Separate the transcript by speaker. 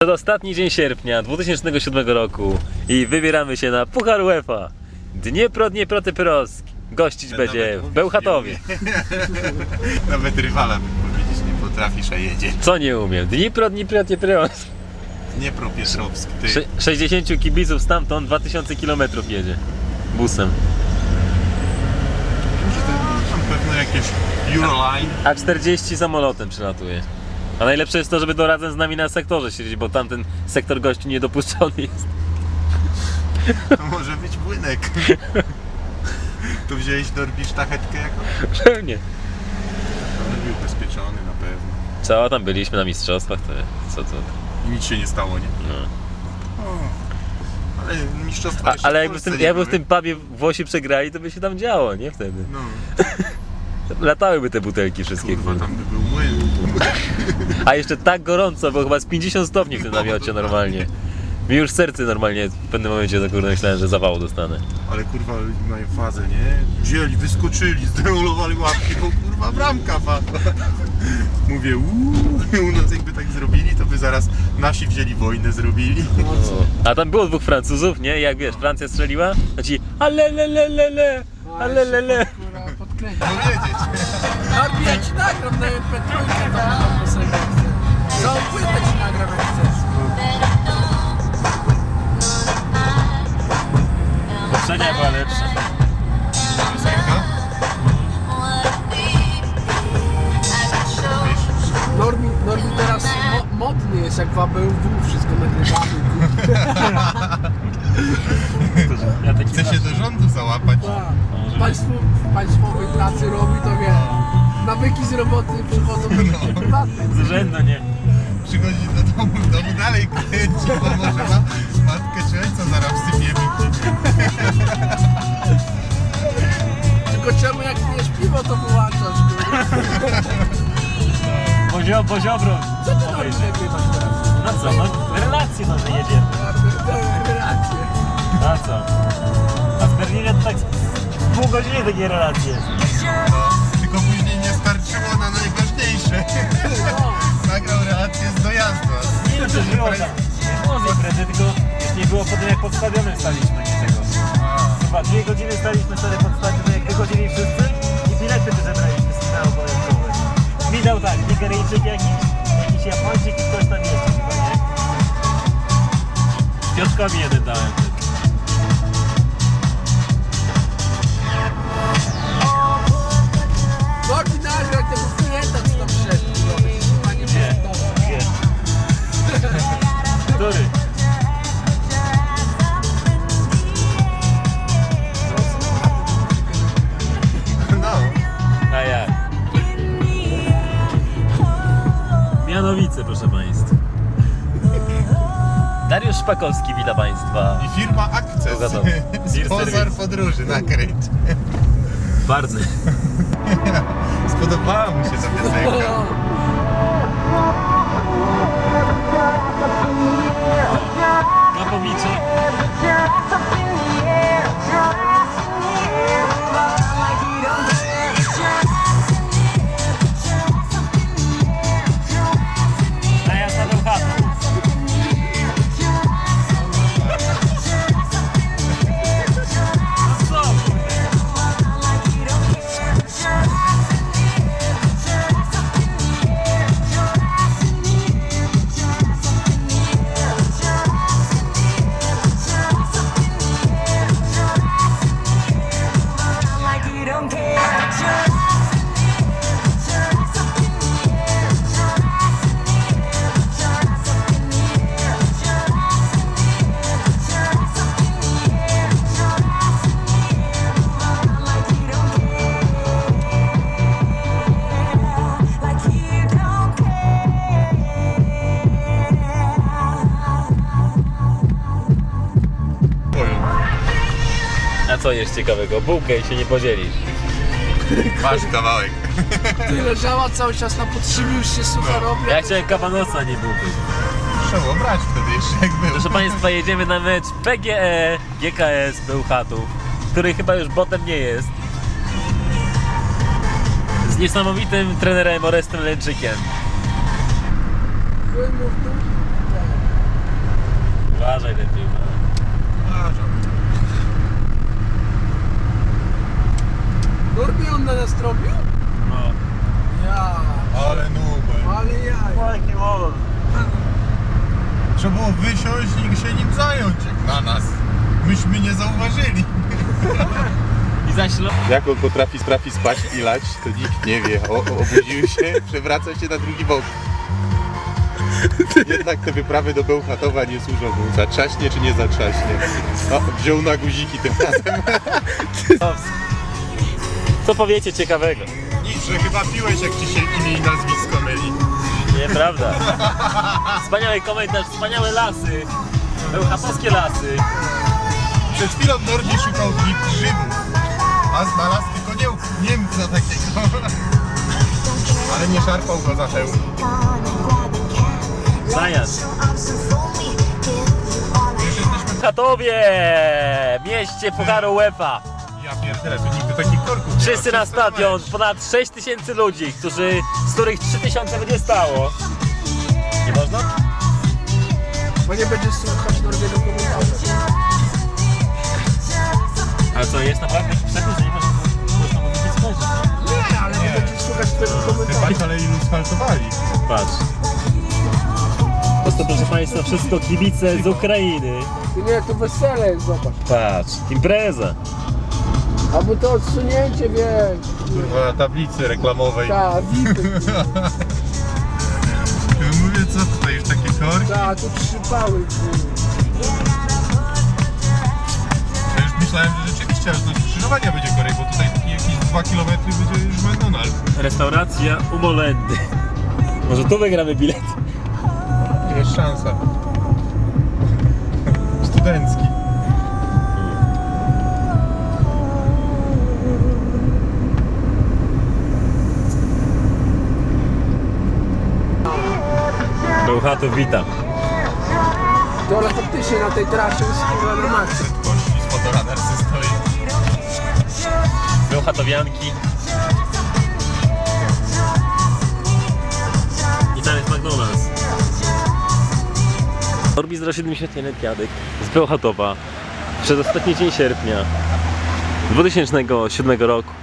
Speaker 1: Ostatni dzień sierpnia 2007 roku i wybieramy się na Puchar UEFA. Dniepro-Dniepro-Typyrowsk. Gościć będzie w Bełchatowie.
Speaker 2: Nawet rywala, bym powiedzieć, nie potrafisz, a jedzie.
Speaker 1: Co nie umiem? Dniepro-Dniepro-Typyrowsk.
Speaker 2: Dniepropietrowsk, ty.
Speaker 1: 60 kibiców stamtąd 2000 km jedzie busem.
Speaker 2: Może to są pewno jakieś Euroline.
Speaker 1: A 40 samolotem przylatuje. A najlepsze jest to, żeby to razem z nami na sektorze siedzieć, bo tamten sektor gości niedopuszczony jest.
Speaker 2: To może być płynek. Tu wziąłeś Dorbi sztachetkę jakąś?
Speaker 1: Pewnie.
Speaker 2: On był ubezpieczony na pewno.
Speaker 1: Co, tam byliśmy na mistrzostwach, to co?
Speaker 2: I nic się nie stało, nie?
Speaker 1: No.
Speaker 2: O, ale mistrzostwa jeszcze
Speaker 1: Ale
Speaker 2: w
Speaker 1: jakby
Speaker 2: Polsce nie
Speaker 1: jakby w
Speaker 2: były.
Speaker 1: tym pubie Włosi przegrali, to by się tam działo, nie wtedy?
Speaker 2: No,
Speaker 1: Latałyby te butelki wszystkie.
Speaker 2: kurwa, tam by był młyn.
Speaker 1: A jeszcze tak gorąco, bo chyba z 50 stopni w tym namiocie normalnie. Mi już serce normalnie w pewnym momencie za kurde myślałem, że zawału dostanę.
Speaker 2: Ale kurwa, ludzie mają fazę, nie? Wzięli, wyskoczyli, zdemolowali łapki, bo kurwa bramka padła. Mówię, u nas jakby tak zrobili, to by zaraz nasi wzięli wojnę, zrobili.
Speaker 1: A tam było 2 Francuzów, nie? Jak wiesz, Francja strzeliła, to ci alelelelele, alelele.
Speaker 2: Powiedzieć.
Speaker 3: Norbi, ja ci nagram na MP3 tą piosenkę. Całą płytę ci nagram jak chcesz.
Speaker 1: Poprzednia była lepsza.
Speaker 2: Piosenka?
Speaker 3: Norbi teraz modny jest, jak w ABW wszystko nagrywamy.
Speaker 1: Ja taki
Speaker 2: Chce się do rządu załapać.
Speaker 3: W państwowej pracy robi to, wie. Nawyki z roboty przychodzą do życia prywatne.
Speaker 1: z urzędu, nie?
Speaker 2: Przychodzi do domu dalej kręci, bo może ma matkę czy ojca zaraz wsypiemy.
Speaker 3: Tylko czemu jak pijesz piwo, to wyłączasz?
Speaker 1: Poziobro.
Speaker 3: Co ty Norbi nagrywasz teraz?
Speaker 1: No co, no relacje nowe jedziemy.
Speaker 3: Relacje.
Speaker 1: A co? A z Berlinem to tak z pół godziny takie relacje.
Speaker 2: No, tylko później nie starczyło na najważniejsze. Nagrał relację z dojazdu.
Speaker 1: Nie wiem, czy było tak. Nie było z imprezy, tylko już nie było potem jak pod stadionem staliśmy, nie tego. Chyba 2 godziny staliśmy wtedy pod stadionem, jak wychodzili wszyscy i bilety wyzebraliśmy z finału powiedzmy. Mi dał tak, Nigeryjczyk jakiś Japończyk i ktoś tam jeszcze chyba, nie? Piotrkowi jeden dałem.
Speaker 3: Norbi nagrał tego klienta, co tam przyszedł. Panie
Speaker 1: Gdzie? Który?
Speaker 2: No,
Speaker 1: A jak? Mianowice, proszę Państwa. Dariusz Szpakowski, witam Państwa.
Speaker 2: i firma Access.
Speaker 1: Pogadamy.
Speaker 2: Sponsor podróży na Kręć.
Speaker 1: Bardzo.
Speaker 2: Spodobała mu się ta piosenka.
Speaker 1: Kapowicze. A ja za Bełchatów. No co? A co jest ciekawego? Bułkę i się nie podzielisz.
Speaker 2: Masz kawałek.
Speaker 3: Ty leżała cały czas na podszybiu, już się sucha robi.
Speaker 1: Ja chciałem kabanosa, nie bułkę.
Speaker 2: Trzeba było brać wtedy jeszcze jak był.
Speaker 1: Proszę Państwa, jedziemy na mecz PGE GKS Bełchatów, który chyba już botem nie jest. Z niesamowitym trenerem Orestem Lęczykiem.
Speaker 2: Trzeba było wysiąść i się nim zająć, jak na nas. Myśmy nie zauważyli.
Speaker 1: I zaś
Speaker 2: Jak on potrafi spać i lać, to nikt nie wie. Obudził się, przewraca się na drugi bok. Jednak te wyprawy do Bełchatowa nie służą mu. Zatrzaśnie czy nie zatrzaśnie? O, wziął na guziki tym razem.
Speaker 1: Co powiecie ciekawego?
Speaker 2: Nic, że chyba piłeś, jak ci się imię i nazwisko myli.
Speaker 1: Nieprawda. Wspaniały komentarz, wspaniałe lasy. Bełchatowskie lasy.
Speaker 2: Przed chwilą Nordi szukał grzybów, a znalazł tylko Niemca takiego. Ale nie szarpał go za hełm.
Speaker 1: Zajazd. W Chatowie, mieście Pucharu UEFA.
Speaker 2: Ja pierdolę, tu nigdy takich korków nie ma.
Speaker 1: Wszyscy na stadion, ponad 6 000 ludzi, z których 3000 będzie stało. Nie można?
Speaker 3: Bo nie będziesz słuchać Nordiego komentarza.
Speaker 1: Ale co, jest naprawdę jakiś przepis, że nie można mówić spojrzeć?
Speaker 3: Nie, ale nie będziesz słuchać twojego komentarza.
Speaker 2: Wybacz, ale ilu sfaltowali.
Speaker 1: Patrz. Po prostu, proszę Państwa, wszystko kibice z Ukrainy.
Speaker 3: Nie, to wesele jest, zobacz.
Speaker 1: Patrz, impreza.
Speaker 3: Albo to odsunięcie, wiesz.
Speaker 2: Kurwa, tablicy reklamowej.
Speaker 3: Tak, wipy.
Speaker 2: Mówię, co tutaj już takie korki?
Speaker 3: Tak, tu trzypały.
Speaker 2: Ja już myślałem, że rzeczywiście aż do skrzyżowania będzie korek, bo tutaj takie jakieś 2 km będzie już McDonald's.
Speaker 1: Restauracja u Molendy. Może tu wygramy bilet?
Speaker 2: Jest szansa. Studencki.
Speaker 1: Bełchatów, witam.
Speaker 3: To ale faktycznie na tej trasie jest chyba na maksa.
Speaker 2: Kości z fotoradarcy stoi.
Speaker 1: Bełchatowianki. I tam jest McDonald's. Norbi 071 Jadek z Bełchatowa. Przedostatni dzień sierpnia 2007 roku.